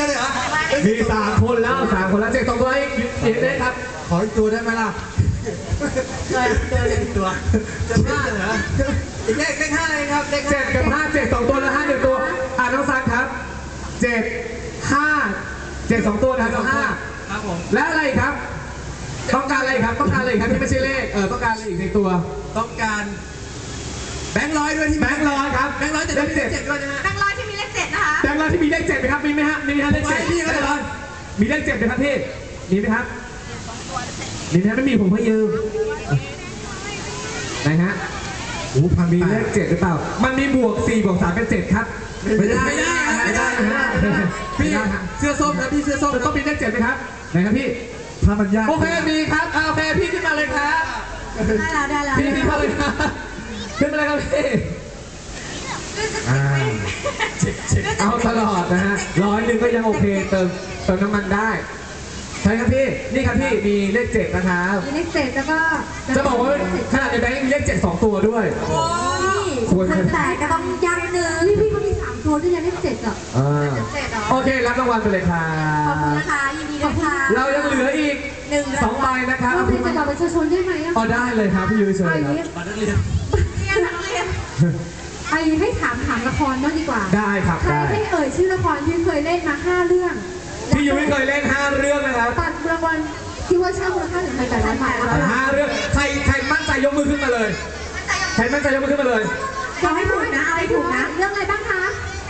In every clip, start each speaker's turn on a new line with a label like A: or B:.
A: กันเลยเหรอ
B: มี3 คนแล้ว3 คนแล้วเจ็ด2 ตัวอีกได้ครับ
A: ขออีกตัวได้ไหมล่ะเจออีกตัวจะพลาดเหรออีกเลข5เลยครับเลข
B: 7 กับ 5 7 2 ตัวแล้ว5 1 ตัวน้องซักครับ7 5 7 2 ตัวนะน้อง5
A: ครับผม
B: และอะไรครับต้องการอะไรครับต้องการอะไรครับที่ไม่ใช่เลขต้องการอะไรอีกในตัว
A: ต้องการแบงค์ร้อยด้วยที่
B: แบงค์ร้อยครับ
A: แบงค์ร้อยแต่เลข7ด้วยนะฮะ
C: แบงค์ร้อยที่มีเลข7นะคะ
B: แบงค์ร้อยที่มีเลข7ไหมครับมีไหมฮะมีฮะเลข7
A: พี่ก็เลย
B: มีเลข7ไหมครับพี่มีไหมครับมีไหมไม่มีผมให้ยืมไหนฮะมีเลข7หรือเปล่ามันมีบวก4 บวก 3 เป็น 7ครับ
A: ไม่ได้พี่เสื้อส้มนะพี่เสื้อส้ม
B: ต้องมีเลข7ไหมครับไหนครับพี่
A: ถ้ามันยาก
B: โอเคมีครับโอเคพี่ขึ้นมาเลยครับ
C: ได้แล้ว
B: พี่ขึ้นมาเลยครับขึ้นมาเลยครับพี่เอาตลอดนะฮะ100ก็ยังโอเคเติมน้ำมันได้ใช่ครับพี่นี่ครับพี่มีเลข7นะครับ
C: มีเลข7แล้วก็
B: จะบอกว่าขนาดในแบงค์มีเลข7 2 ตัวด้วย
C: แต่ก็ต้องยังหนึ่งพี่เขามี3 ตัวด้วยนะเลข7อ่ะ
B: โอเครับรางวัลไปเลยครับ
C: ขอบคุณนะคะยินดีด้วยค่ะ
B: เรายังเหลืออีก2 ใบนะครับ
C: เราเป็นบัตรประชาชนได้ไหม
B: ได้เลยครับพี่ยุ้ยเชิญครับ
A: บัตรนักเรียน
C: ไอ้ให้ถามละครบ้างดีกว่า
B: ได้ครับ
C: ใครให้เอ่ยชื่อละครที่เคยเล่นมา5 เรื่อง
B: พี่ยุ้ยเคยเล่น5 เรื่องนะครับ
C: ตัดรางวัลที่ว่าช่างมูลค่าถึง1,800 บาท
B: 5 เรื่องใครมั่นใจยกมือขึ้นมาเลยใครมั่นใจยกมือขึ้นมาเลย
C: เอาให้ถูกนะเอาให้ถูกนะเรื่องอะไรบ้างคะ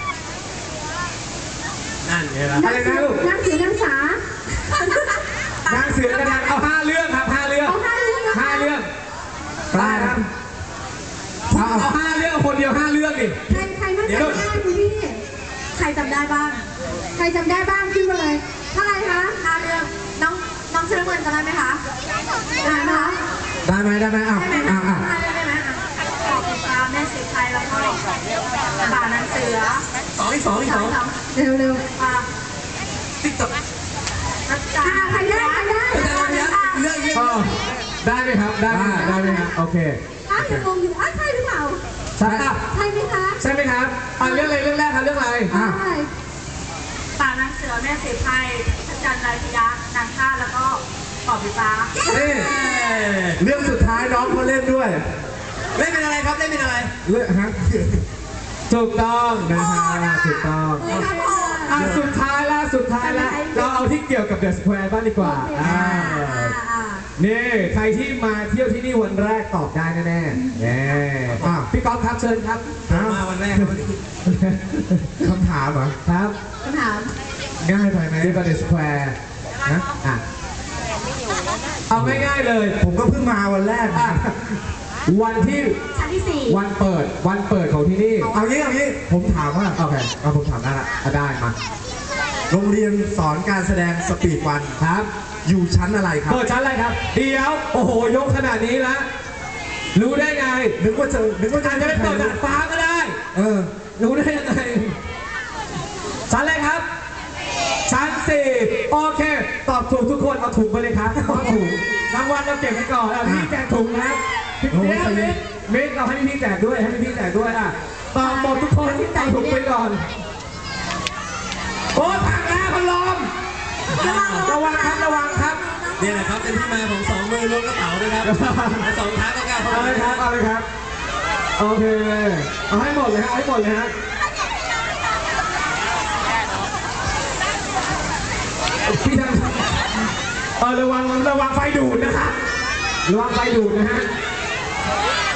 A: นั่นไงล่ะ
B: อะไรนะลูก
C: นางเสือนางสาน
B: างเสือกระดานเอา5 เรื่องครับ5 เรื่อง5 เรื่องได้ครับเอา5 เรื่องคนเดียว5 เรื่องดิ
C: ใครมั่นใจได้คุณพี่ใครจำได้บ้างใครจำได้บ้างขึ้นมาเลยเท่าไหร่คะ5 เรื่องน้องเชิญเงินจำได้ไหมคะได้ไหมคะ
B: ได้ไหมได้ไหม
C: ได้ไหมขอบคุณค่ะแม่สีไทยแล้วก็ป่านางเสือ
A: อีกสอง
C: เร็ว
A: ติ๊กต็อก
C: ใครได้
A: เรื่อง
B: ได้ไหมครับได้ไหมครับโอเค
C: ยังงงอยู่ใช่หรือเปล่า
B: ใช่
C: ไหมคะ
B: ใช่ไหมครับเรื่องอะไรเรื่องแรกครับเรื่องอะไร
C: ป่านางเสือแม่สีไทยจันทร์ไรพิยะนางข้าแล้วก็ปอบพิฟ้า
B: เรื่องสุดท้ายน้องเขาเล่นด้วย
A: เล่นเป็นอะไรครับเล่นเป็นอะไร
B: เรื่องฮะถูกต้องนะฮะถูกต้องสุดท้ายแล้วเราเอาที่เกี่ยวกับเดอะสแควร์บ้างดีกว่านี่ใครที่มาเที่ยวที่นี่วันแรกตอบได้แน่ๆพี่ก๊อฟครับเชิญครับ
A: มาวันแรก
B: คำถามเหรอครับ
C: คำถาม
B: ง่ายไปไหมที่เดอะสแควร์นะเอาง่ายๆเลยผมก็เพิ่งมาวันแรกวันที่
C: ชั้นที่4
B: วันเปิดของที่นี่เอางี้ผมถามว่าโอเคผมถามได้ละได้มาโรงเรียนสอนการแสดงสปีดวันครับอยู่ชั้นอะไรครับเปิดชั้นอะไรครับเดี๋ยวโอ้โหยกขนาดนี้ละรู้ได้ไงนึกว่าจะได้เปิดดาดฟ้าก็ได้รู้ได้ยังไงชั้นอะไรครับชั้น4โอเคตอบถูกทุกคนเอาถุงไปเลยครับถูกรางวัลเราเก็บไว้ก่อนพี่แจกถุงนะมิกเราให้พี่แจกด้วยตอบหมดทุกคนที่เอาถุงไปก่อนโอ้ผักนะพัดลมระวังครับ
A: นี่แหละครับเป็นที่มาของ2 มือล้วงกระเป๋าด้วยครับ2 เท้าก็กล้า
B: เอาเลยครับโอเคเอาให้หมดเลยฮะพี่ทำระวังไฟดูดนะครับระวังไฟดูดนะฮะ